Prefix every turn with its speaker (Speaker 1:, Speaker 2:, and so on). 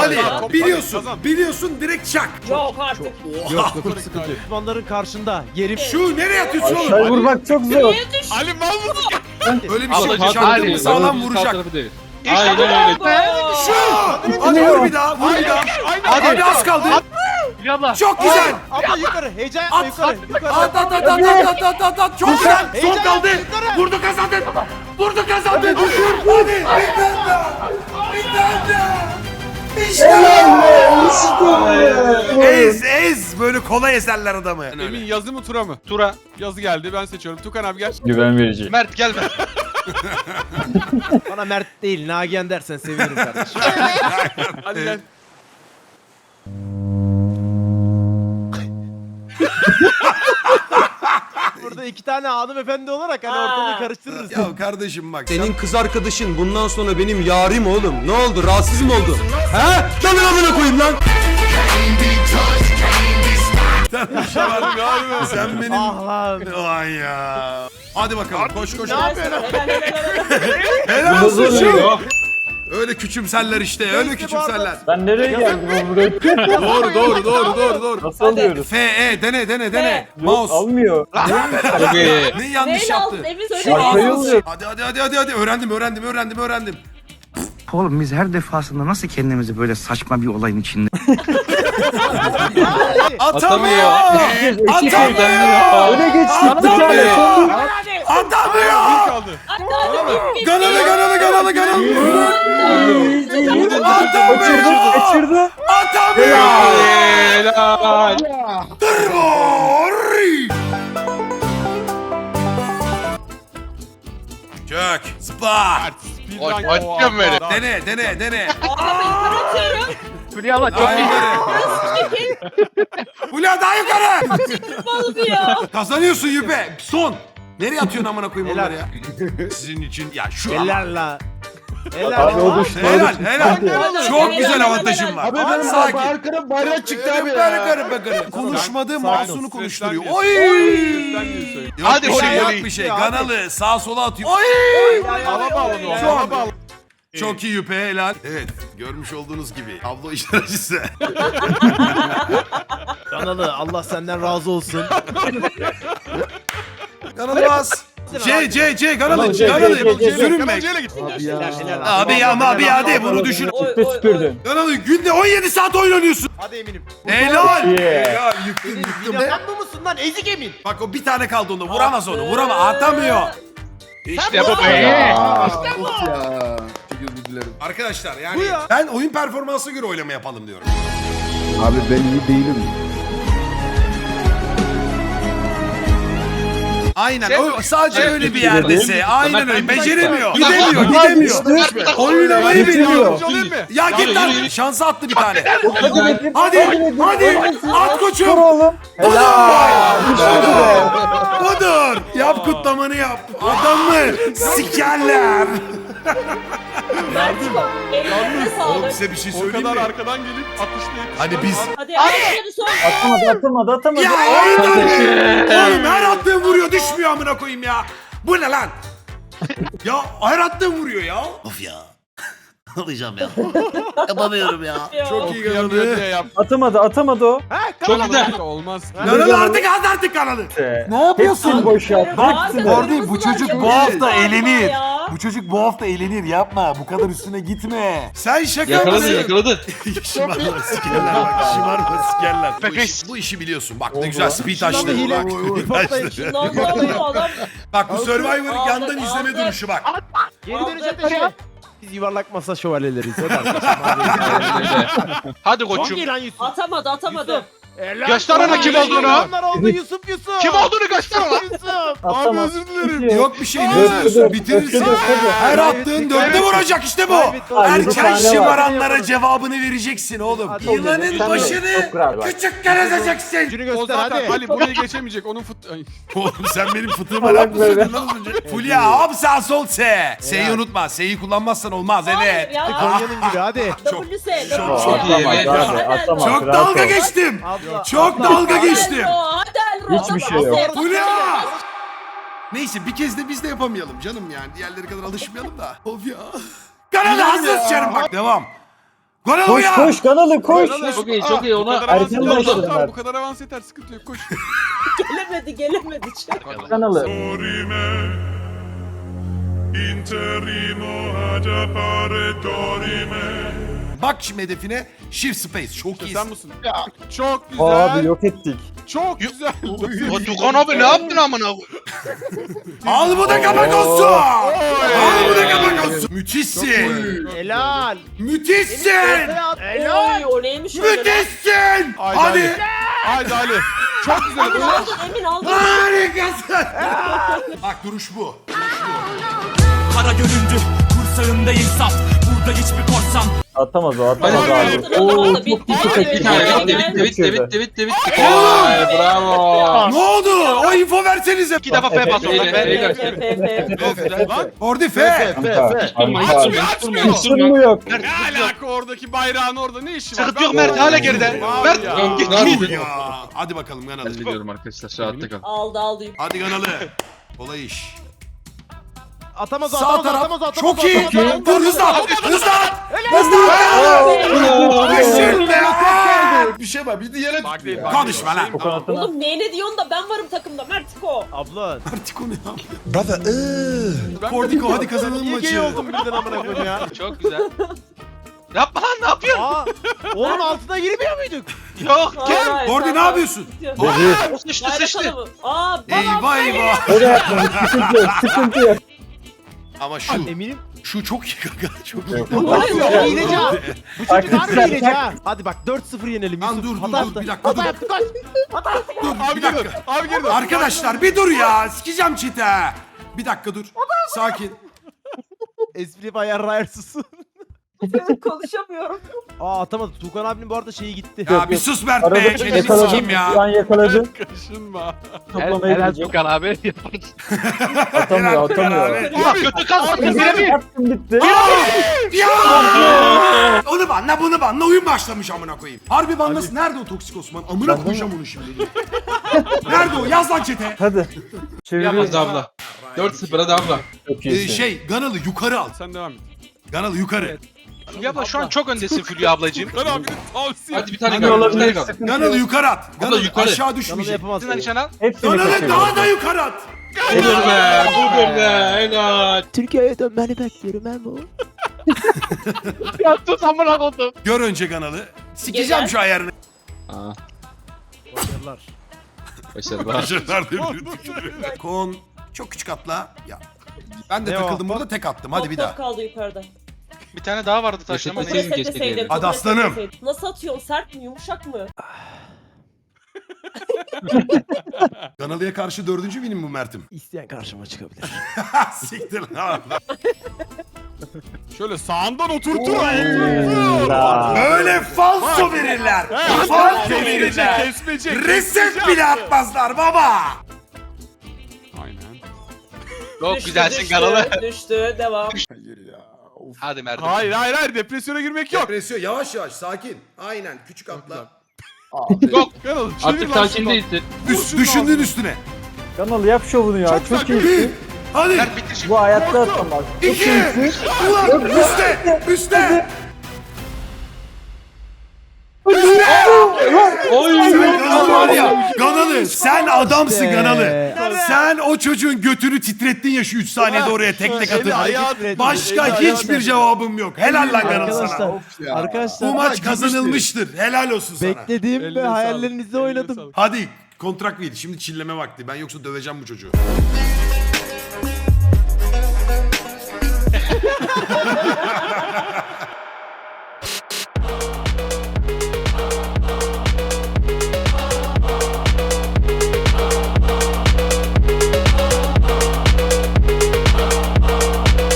Speaker 1: Ali
Speaker 2: Top
Speaker 1: biliyorsun.
Speaker 2: kazan.
Speaker 1: Biliyorsun direkt çak.
Speaker 3: Yok artık.
Speaker 1: Oha.
Speaker 4: Sıkıntı yok. Düşmanların karşında yerim.
Speaker 1: Şu nereye atıyorsun oğlum?
Speaker 5: Aşağı vurmak çok zor.
Speaker 3: Niye düştün?
Speaker 2: Ali mal mısın?
Speaker 1: Öyle bir şey
Speaker 6: Ama
Speaker 1: yok. Çaktın mı sağlam vuracak.
Speaker 6: Aynen öyle.
Speaker 1: Şu. Hadi vur bir daha. Vur bir daha. Hadi az kaldı. Çok güzel.
Speaker 4: Abla yukarı. Heyecan yapma yukarı. Yukarı.
Speaker 1: At. Çok güzel. Son
Speaker 4: Heyecan
Speaker 1: kaldı.
Speaker 4: yukarı.
Speaker 1: Vurdu kazandın. Vurdu kazandın. Hadi. Bir tane daha. Bir tane daha. İşte. Ez. Böyle kolay ezerler adamı.
Speaker 2: Emin yazı mı tura mı?
Speaker 6: Tura.
Speaker 2: Yazı geldi ben seçiyorum. Tukan abi gel.
Speaker 5: Güven verici.
Speaker 6: Mert gelme.
Speaker 4: Bana Mert değil Nagihan dersen sevinirim kardeşim.
Speaker 2: Hadi gel.
Speaker 4: Burada iki tane hanımefendi olarak hani ortalığı karıştırırız.
Speaker 1: Ya kardeşim bak.
Speaker 7: Senin kız arkadaşın bundan sonra benim yarim oğlum. Ne oldu? Rahatsız mı oldu? He? Dalın amına koyayım lan.
Speaker 1: Sen benim...
Speaker 4: Ah lan.
Speaker 1: Ay ya. Hadi bakalım koş koş.
Speaker 3: Ne yapıyorsun?
Speaker 1: Helal olsun şu. Öyle küçümserler işte. Öyle
Speaker 4: Neyse,
Speaker 1: küçümserler.
Speaker 5: Ben nereye geldim oğlum buraya?
Speaker 1: Doğru.
Speaker 5: Nasıl alıyoruz?
Speaker 1: F, dene.
Speaker 5: Yok,
Speaker 1: Mouse.
Speaker 5: almıyor.
Speaker 6: Tabii.
Speaker 1: Ne yanlış
Speaker 3: Neyle
Speaker 1: yaptı?
Speaker 3: aldın? Emin
Speaker 1: Şu
Speaker 3: söyle.
Speaker 5: Aşağıya
Speaker 1: ağzı-
Speaker 5: oluyor.
Speaker 1: Hadi. Öğrendim.
Speaker 8: Oğlum biz her defasında nasıl kendimizi böyle saçma bir olayın içinde
Speaker 1: Atamıyor.
Speaker 5: Öne geçtik bir tane.
Speaker 1: Atamıyor.
Speaker 2: Kaldı.
Speaker 1: Ganalı.
Speaker 5: Kaçırdı.
Speaker 1: Atamıyor.
Speaker 6: Helal.
Speaker 1: Kök. Zıpla.
Speaker 2: Speedrun.
Speaker 6: Açacağım beni.
Speaker 1: Dene.
Speaker 3: Adamı yukarı atıyorum.
Speaker 1: Daha yukarı. Hülya daha yukarı.
Speaker 3: Balı diyor.
Speaker 1: Kazanıyorsun Yüpe. Son. Nereye atıyorsun amına koyayım
Speaker 4: Helal.
Speaker 1: onları ya? Sizin için ya şu ama.
Speaker 4: Helal la.
Speaker 5: Abi o
Speaker 4: Helal.
Speaker 5: düştü.
Speaker 1: Helal. Çok güzel avantajım var.
Speaker 3: Abi
Speaker 1: benim sakin.
Speaker 7: Arkadan bayrak çıktı abi
Speaker 1: Karı. Konuşmadığı
Speaker 4: Sakin
Speaker 1: mahzunu
Speaker 2: ol,
Speaker 1: konuşturuyor.
Speaker 2: stresten
Speaker 1: Oy!
Speaker 2: Stresten diye söyle.
Speaker 1: Yok
Speaker 6: Hadi
Speaker 1: bir şey,
Speaker 6: voley,
Speaker 1: yok
Speaker 6: voley.
Speaker 1: bir şey.
Speaker 4: Hadi.
Speaker 1: Kanalı sağa sola atıyor. Oy!
Speaker 2: Hava bağladı o.
Speaker 1: Şu an-
Speaker 2: Hava bağladı.
Speaker 1: Çok iyi Yüpe helal. Evet görmüş olduğunuz gibi tablo işler acısı.
Speaker 4: Kanalı Allah senden razı olsun.
Speaker 1: Kanalı bas. C kanalı
Speaker 5: C.
Speaker 1: sürünme.
Speaker 2: Kanalcıyla git.
Speaker 1: Abi ya de bunu düşün.
Speaker 5: Çıktı süpürdün.
Speaker 1: Kanalı günde 17 saat oynanıyorsun.
Speaker 4: Hadi eminim.
Speaker 1: Helal.
Speaker 5: Yeah.
Speaker 1: Ya yıktım.
Speaker 4: Sen bu musun lan ezik emin?
Speaker 1: Bak o bir tane kaldı onda. Vuramaz onu. Atamıyor.
Speaker 6: İşte bu be.
Speaker 1: Arkadaşlar
Speaker 4: Bu
Speaker 1: yani
Speaker 4: ya.
Speaker 1: ben oyun performansına göre oylama yapalım diyorum.
Speaker 7: Abi ben iyi değilim.
Speaker 1: Aynen. O sadece öyle bir yerdese. Aynen öyle. Beceremiyor.
Speaker 6: Ulan,
Speaker 1: Gidemiyor. Oynamayı bilmiyor.
Speaker 2: Çalayım mı?
Speaker 1: Ya git lan. Şansı attı bir tane.
Speaker 5: Hadi.
Speaker 1: Hadi. At
Speaker 5: Dur
Speaker 1: koçum.
Speaker 5: oğlum.
Speaker 1: Budur. Yap kutlamanı yap. Adamı sikerler.
Speaker 3: Mertiko. Ellerine
Speaker 1: Oğlum
Speaker 3: sağlık.
Speaker 1: size bir şey
Speaker 2: O
Speaker 1: söyleyeyim
Speaker 2: kadar
Speaker 1: mi?
Speaker 2: arkadan gelip atışlayıp.
Speaker 1: Hani biz...
Speaker 3: Hadi ayakları son.
Speaker 5: Atamadı.
Speaker 1: Ya oğlum her attığın vuruyor düşmüyor amına koyayım ya. Bu ne lan? Ya her attığın vuruyor ya. Of ya. Alacağım ya. Yapamıyorum ya. Çok iyi
Speaker 2: Kıyamıyor
Speaker 1: kanalı.
Speaker 2: diye yap.
Speaker 5: Atamadı o.
Speaker 6: Çok güzel.
Speaker 2: Olmaz.
Speaker 1: Kanalı artık kanalı.
Speaker 5: Ne yapıyorsun boş ya?
Speaker 3: Orada bu çocuk bu hafta eğlenir.
Speaker 1: Bu çocuk bu hafta eğlenir yapma. Bu kadar üstüne gitme. Sen şaka
Speaker 6: Yakaladı yakaladı.
Speaker 1: Şımarma sikerler bak. Şımarma sikerler.
Speaker 6: Pepes.
Speaker 1: Bu işi biliyorsun. Bak ne güzel speed açtı.
Speaker 4: hile.
Speaker 1: Bak, speed açtı.
Speaker 3: Adam
Speaker 1: Bak bu Survivor'ı yandan
Speaker 3: Aldık,
Speaker 1: izleme
Speaker 3: aldık.
Speaker 1: duruşu bak.
Speaker 4: Geri döneceğim de şey. Biz yuvarlak masa şövalyeleriyiz. O da
Speaker 6: Hadi
Speaker 4: Çok
Speaker 6: koçum.
Speaker 4: iyi lan Yusuf.
Speaker 3: atamadı.
Speaker 6: Göster ona kim olduğunu.
Speaker 4: Onlar oldu Yusuf.
Speaker 6: Kim olduğunu göster ona.
Speaker 4: Yusuf.
Speaker 1: Abi özür dilerim. Yok bir şey ne özürsün bitirirsin. Her attığın dörtte vuracak işte bu. Erken şımaranlara cevabını vereceksin oğlum.
Speaker 4: Hadi
Speaker 1: Yılanın
Speaker 4: oğlum.
Speaker 1: başını küçükken ezeceksin.
Speaker 4: Gücünü
Speaker 2: O
Speaker 4: göster
Speaker 2: zaten
Speaker 4: hadi.
Speaker 2: Ali burayı geçemeyecek. Onun Ay.
Speaker 1: Oğlum sen benim fıtığıma laf mı söyledin lan az önce? Fulya hop sağ sol S. S'yi unutma. S'yi kullanmazsan olmaz evet.
Speaker 4: Konya'nın gibi hadi.
Speaker 3: WS.
Speaker 1: Çok
Speaker 6: iyi.
Speaker 1: Çok dalga geçtim.
Speaker 4: Abla.
Speaker 1: Çok dalga geçtim.
Speaker 5: Hiçbir şey yok.
Speaker 1: Fulya! Neyse bir kez de biz de yapamayalım canım yani. Diğerleri kadar alışmayalım da. Of ya. Kanalı hazır sıçarım bak. Devam. Ganalı
Speaker 5: Koş
Speaker 1: ya.
Speaker 5: koş Kanalı koş.
Speaker 2: Çok iyi çok iyi
Speaker 4: ona
Speaker 5: erken başladım
Speaker 2: Tamam
Speaker 5: ben.
Speaker 2: bu kadar avans yeter sıkıntı yok koş.
Speaker 3: Gelemedi.
Speaker 5: Kanalı.
Speaker 1: Bak şimdi hedefine shift space. Çok iyi.
Speaker 2: Sen misin? Çok güzel.
Speaker 5: Abi yok ettik.
Speaker 2: Çok güzel.
Speaker 6: O Tukan abi ne yaptın amına?
Speaker 1: Al bu da kapak olsun. Al bu da kapak olsun. Müthişsin.
Speaker 4: Helal.
Speaker 1: Müthişsin.
Speaker 3: Oy o neymiş öyle?
Speaker 1: Müthişsin.
Speaker 2: Haydi
Speaker 1: Hadi.
Speaker 2: Haydi Ali. Çok güzel.
Speaker 3: Emin aldın Emin aldın.
Speaker 1: Harikasın. Bak duruş bu.
Speaker 9: Kara göründü kursağında insaf. Burada hiçbir korsan
Speaker 5: Atamaz o atamaz
Speaker 6: Hadi.
Speaker 5: abi.
Speaker 3: Oo,
Speaker 5: Oo çok
Speaker 3: bitti.
Speaker 5: kötü
Speaker 3: Hadi.
Speaker 6: Bir tane bitti. Vay bravo.
Speaker 1: Ne oldu? O info versenize.
Speaker 6: İki defa F bas oradan.
Speaker 1: Orada F.
Speaker 5: Sıçtın mı yok?
Speaker 2: Ne alaka oradaki bayrağın orada ne işi var?
Speaker 6: Sıkıntı yok Mert hala geride. Mert git.
Speaker 1: Ya. Hadi bakalım Ganalı.
Speaker 6: Hallediyorum arkadaşlar rahatta kal.
Speaker 3: Aldı.
Speaker 1: Hadi Ganalı. Kolay iş.
Speaker 4: Atamaz o,
Speaker 1: Sağ
Speaker 4: atamaz o,
Speaker 1: taraf.
Speaker 4: atamaz o, atamaz
Speaker 1: Çok
Speaker 4: o,
Speaker 1: iyi.
Speaker 4: atamaz o.
Speaker 1: Dur hızlan. Hızlan. Düşün be.
Speaker 10: Bir şey var. Bir diğer
Speaker 2: Bak değil,
Speaker 1: Konuşma lan.
Speaker 5: O kanatına.
Speaker 3: Oğlum neyine diyorsun da ben varım takımda Mertiko.
Speaker 4: Abla.
Speaker 1: Artık o ne ya?
Speaker 10: Brother.
Speaker 1: Portiko hadi kazanalım
Speaker 4: Niye gay
Speaker 1: maçı.
Speaker 4: oldum birden amına koyayım ya?
Speaker 6: Çok güzel. Yapma lan ne yapıyorsun?
Speaker 4: Aa, onun altına girmiyor muyduk?
Speaker 6: Yok gel.
Speaker 1: Orada ne yapıyorsun?
Speaker 6: Sıçtı sıçtı.
Speaker 3: Aa
Speaker 1: Eyvah eyvah.
Speaker 5: O da yapmamış. Sıkıntı yok. Sıkıntı yok.
Speaker 1: Ama şu
Speaker 4: Eminim.
Speaker 1: çok iyi kanka. Çok iyi.
Speaker 4: Hayır, hileci ha. Bu çocuk harbi hileci ha. Hadi bak 4-0 yenelim.
Speaker 1: Lan
Speaker 4: Yusuf.
Speaker 1: dur,
Speaker 4: Hata
Speaker 1: dur,
Speaker 4: yaptı.
Speaker 1: bir dakika,
Speaker 4: Hata
Speaker 1: dur.
Speaker 4: yaptı kaç.
Speaker 1: Dur
Speaker 2: Abi
Speaker 1: bir
Speaker 2: geri dön.
Speaker 1: dakika.
Speaker 2: Abi geri dön.
Speaker 1: Arkadaşlar bir dur ya. Sikeceğim çite. Bir dakika dur. Sakin.
Speaker 4: Espri bayağı rayarsız.
Speaker 3: konuşamıyorum.
Speaker 4: Aa atamadı. Tuğkan abinin bu arada şeyi gitti.
Speaker 1: Ya bir sus Mert
Speaker 5: Arada
Speaker 1: be. Çeneni
Speaker 5: yakaladım.
Speaker 1: sikeyim
Speaker 5: Şu an
Speaker 1: ya.
Speaker 5: yakaladım.
Speaker 2: Kaşınma.
Speaker 5: Toplamaya gideceğim.
Speaker 6: Tukan abi.
Speaker 5: Atamıyor atamıyor.
Speaker 6: Ulan kötü kalsın. Birebir.
Speaker 5: Yaptım bitti.
Speaker 1: Ya! Onu banla bunu banla oyun başlamış amına koyayım. Harbi banlasın. Nerede o toksik Osman? Amına koyacağım onu şimdi. Nerede o? Yaz lan çete.
Speaker 5: Hadi.
Speaker 6: Yapmaz
Speaker 5: Çeviriyoruz.
Speaker 6: abla. 4-0 hadi abla.
Speaker 5: Çok iyisin.
Speaker 1: Ganalı yukarı al.
Speaker 2: Sen devam et.
Speaker 1: Ganalı yukarı.
Speaker 6: Fulya abla şu an çok öndesin Fulya ablacığım.
Speaker 2: Ben abinin tavsiye.
Speaker 6: Hadi bir tane
Speaker 5: Hadi
Speaker 6: kaldı. Bir
Speaker 5: olabilir.
Speaker 6: tane kaldı.
Speaker 5: Sıkıntı
Speaker 1: Ganalı
Speaker 5: yok.
Speaker 1: yukarı at. Ganalı
Speaker 6: yukarı.
Speaker 1: aşağı
Speaker 4: Yanında
Speaker 1: düşmeyecek.
Speaker 4: yapamaz.
Speaker 6: Sizin nişan
Speaker 5: Hepsini
Speaker 1: Ganalı
Speaker 5: kaçırıyorum.
Speaker 1: daha da yukarı at.
Speaker 6: Budur be. Budur be. Helal.
Speaker 4: Türkiye'ye dönmeni bekliyorum ben bu.
Speaker 6: Yattın amına koydum.
Speaker 1: Gör önce Ganalı. Sikeceğim
Speaker 3: Gel.
Speaker 1: şu ayarını.
Speaker 4: Başarılar.
Speaker 6: Başarılar.
Speaker 1: Başarılar diye Kon çok küçük atla. Ya. Ben de
Speaker 4: Ne o?
Speaker 1: takıldım burada tek attım. Hadi bir daha.
Speaker 3: Top kaldı yukarıda.
Speaker 6: Bir tane daha vardı taşla ama
Speaker 3: Topu
Speaker 6: neyse.
Speaker 3: resetleseydin.
Speaker 1: Hadi
Speaker 3: topu
Speaker 1: aslanım.
Speaker 3: resetleseydin. Nasıl atıyorsun? Sert mi? Yumuşak mı?
Speaker 1: Ganalı'ya karşı 4. benim bu Mert'im.
Speaker 4: İsteyen karşıma çıkabilir.
Speaker 1: Siktir lan.
Speaker 2: Şöyle sağından oturtur.
Speaker 1: Böyle falso verirler. Falso verirler.
Speaker 2: Kesmeyecek.
Speaker 1: Reset bile atmazlar baba.
Speaker 2: Aynen.
Speaker 6: Çok
Speaker 3: Düştü,
Speaker 6: güzelsin
Speaker 3: düştü,
Speaker 6: kanalı.
Speaker 3: Düştü. Devam.
Speaker 6: Hadi Mert.
Speaker 2: Hayır depresyona girmek yok.
Speaker 1: Depresyon yavaş yavaş sakin. Aynen küçük atla.
Speaker 6: Yok.
Speaker 2: Kanalı
Speaker 6: Artık sakin değilsin.
Speaker 1: Düşündüğün üstüne.
Speaker 5: Kanalı yap şovunu ya. Çok
Speaker 2: sakin.
Speaker 5: iyisin.
Speaker 1: Hadi.
Speaker 6: Mert bitti şimdi.
Speaker 5: Bu hayatta atamaz. Çok
Speaker 1: 2.
Speaker 5: iyisin.
Speaker 1: Ulan üstte. Üstte. Sen Ganalı var ya. Ganalı sen adamsın Ganalı. Sen o çocuğun götünü titrettin ya şu 3 saniyede oraya tek tek atıp. Başka hiçbir cevabım yok. Helal lan Ganalı sana.
Speaker 4: Arkadaşlar
Speaker 1: Bu maç kazanılmıştır. Helal olsun sana.
Speaker 4: beklediğim ve
Speaker 2: Eline sağlık.
Speaker 4: hayallerinizde
Speaker 2: Eline
Speaker 4: oynadım.
Speaker 2: sağlık.
Speaker 1: Hadi kontrak değil. Şimdi çilleme vakti. Ben yoksa döveceğim bu çocuğu.